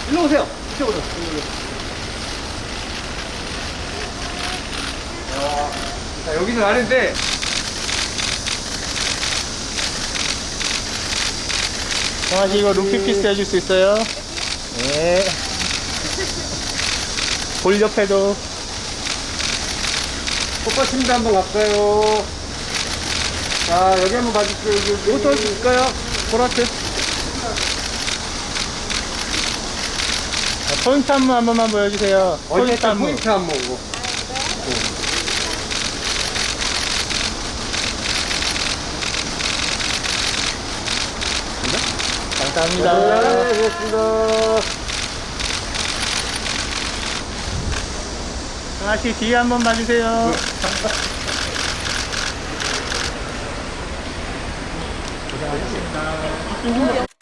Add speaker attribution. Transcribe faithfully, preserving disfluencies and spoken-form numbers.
Speaker 1: 일로 오세요. 이쪽으로. 일로. 자, 자, 여기는 아는데.
Speaker 2: 정아씨 이거 루피피스 해줄 수 있어요? 네. 볼 옆에도.
Speaker 1: 꽃받침대 한번 갈까요? 자, 여기 한번 봐주세요. 여기, 여기.
Speaker 2: 이것도 할 수 있을까요? 보라트. 포인트 안무 한 번만 보여주세요. 포인트
Speaker 1: 어쨌든
Speaker 2: 안무.
Speaker 1: 포인트 한 번고.
Speaker 2: 감사합니다.
Speaker 1: 네, 고맙습니다.
Speaker 2: 정아씨 뒤에 한번 봐주세요. 고생하셨습니다.